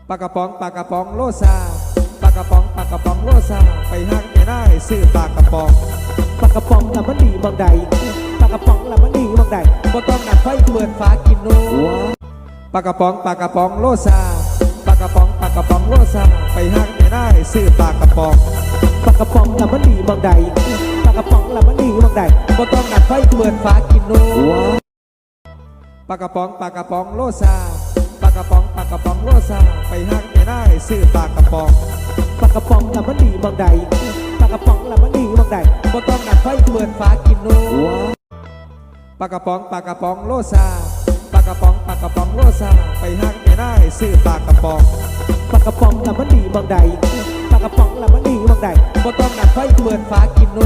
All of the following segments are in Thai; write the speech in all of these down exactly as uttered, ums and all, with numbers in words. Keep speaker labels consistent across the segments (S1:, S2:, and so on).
S1: ปลากระป๋องปลากระป๋องโลซาปลากระป๋องปลากระป๋องโลซาไปห้างไปได้ซื้อปลากระป๋องปลากระป๋องละมันดีบางใดปลากระป๋องละมันดีบางใดบ่ต้องดับไฟเปิดฝากินโน้ปลากระป๋องปลากระป๋องโลซาปลากระป๋องปลากระป๋องโลซาไปห้างไปได้ซื้อปลากระป๋องปลากระป๋องละมันดีบางใดปลากระป๋องละมันดีบางใดบ่ต้องดับไฟเปิดฝากินโน้ปลากระป๋องปลากระป๋องโลซาปลากระป๋องปลากระป๋องโลซาไปห้างไปได้ซื้อปลากระป๋องปลากระป๋องละมันดีบางใดปลากระป๋องละมันดีบางใดบ่ต้องดับไฟเปิดฝากินโน้ปลากระป๋องปลากระป๋องโลซาปลากระป๋องปลากระป๋องโลซาไปห้างไปได้ซื้อปลากระป๋องปลากระป๋องละมันดีบางใดปลากระป๋องละมันดีบางใดบ่ต้องดับไฟเปิดฝากินโน้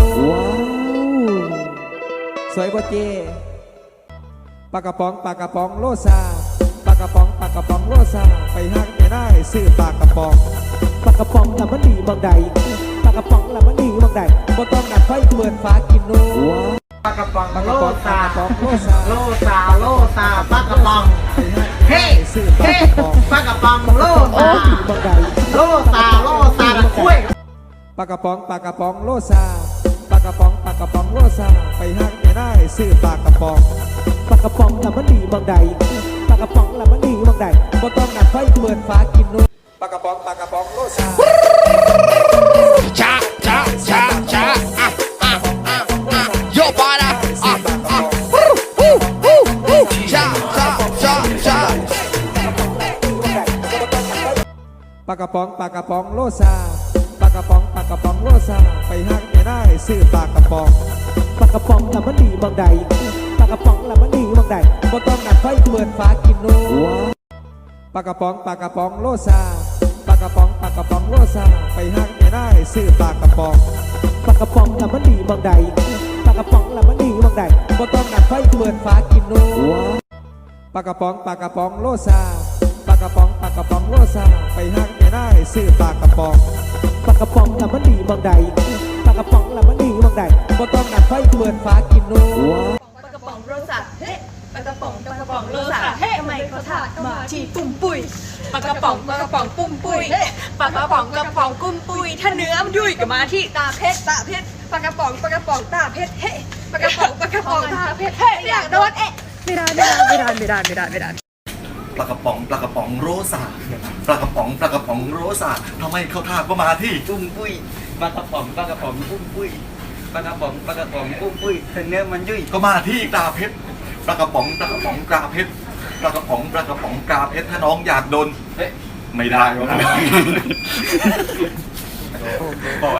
S1: สวยบ่เจปลากระป๋องปลากระป๋องโลซาปลากระป๋องปลากระป๋องโลซาไปห้างไปได้ซื้อปลากระป๋องปลากระป๋องละมันดีบางใดปลากระป๋องละมันดีบางใดบ่ต้องดับไฟเปิดฝากินโน้
S2: ปลากระป๋อง
S1: ปลาก
S2: โล
S1: ระป๋องปลา
S2: ซาก
S1: ระป๋องโลซา
S2: โลซาโลซาปลากระป๋องเฮ้
S1: ซื้อปลา
S2: เฮ้
S1: กระป๋อง
S2: ปลากระป๋องโลซา
S1: บางใด
S2: โลซาโลซาตะคุ้ย
S1: ปลากระป๋องปลากระป๋องโลซาปลากระป๋องปลากระป๋องโลซาไปห้างไปได้ซื้อปลากระป๋องปลากระป๋องละมันดีบางใดปลากระป๋องละมันดีบางใดบ่ต้องดับไฟเปิดฝากินนู้ปลากระป๋องปลากระป๋องโลซา
S3: ช้าช้าช้าช้าอ่ะอ่ะอ่ะอ่ะโยบาระอ่ะอ่ะวู้วู้วู้วู้ช้าช้าช้าช้า
S1: ปลากระป๋องปลากระป๋องโลซาปลากระป๋องปลากระป๋องโลซาไปห้างไปได้ซื้อปลากระป๋องปลากระป๋องละมันดีบางใดปลากระป๋องละมันดีบางใดบ่ต้องดับไฟเปิดฝากินนู้ปลากระป๋องปลากระป๋องโลซาปลากระป๋องปลากระป๋องโลซาไปห้างไปได้ซื้อปลากระป๋องปลากระป๋องละมันดีบางใดปลากระป๋องละมันดีบางใดบ่ต้องดับไฟเปิดฝากินนู้ปลากระป๋องปลากระป๋องโลซาปลากระป๋องปลากระป๋องโลซาไปห้างไปได้ซื้อปลากระป๋องปลากระป๋องละมันดีบางใดปลากระป๋องละมันดีบางใดบ่ต้องดับไฟเปิดฝากินนู้
S4: ปลากระป๋องโรสะเฮ้ปลากระป๋องปลากระป๋องโรสะเฮ้ทำไมเขาถากมาทีปุ้มปุยปลากระป๋องปลากระป๋องปุ้มปุยปลากระป๋องกระป๋องกุ้มปุยถ้าเนื้อมันยุ่ยก็มาที่ตาเพชรตาเพชรปลากระป๋องปลากระป๋องตาเพชรเฮ้ปลากระป๋องปลากระป๋องตาเพชรเฮ้อยากโดนเอ๊ะไม่ได้ไม่ได้ไม่ได้ไม่ได้ไม่ได้ไม่ได้
S5: ปลากระป๋องปลากระป๋องโรซาปลากระป๋องปลากระป๋องโรซาทำไมเขาทาก็มาที่
S6: ปุ้มปุ้ยปลากระป๋องปลากระป๋องปุ้มปุ้ยปลากระป๋องปลากระป๋องปุ้มปุ้ยแต่เนื้อมันยุ่ย
S5: ก็มาที่ตาเพชรปลากระป๋องปลากระป๋องกาเพชรปลากระป๋องปลากระป๋องกาเพชรถ้าน้องอยากโดนไม่ได้วะ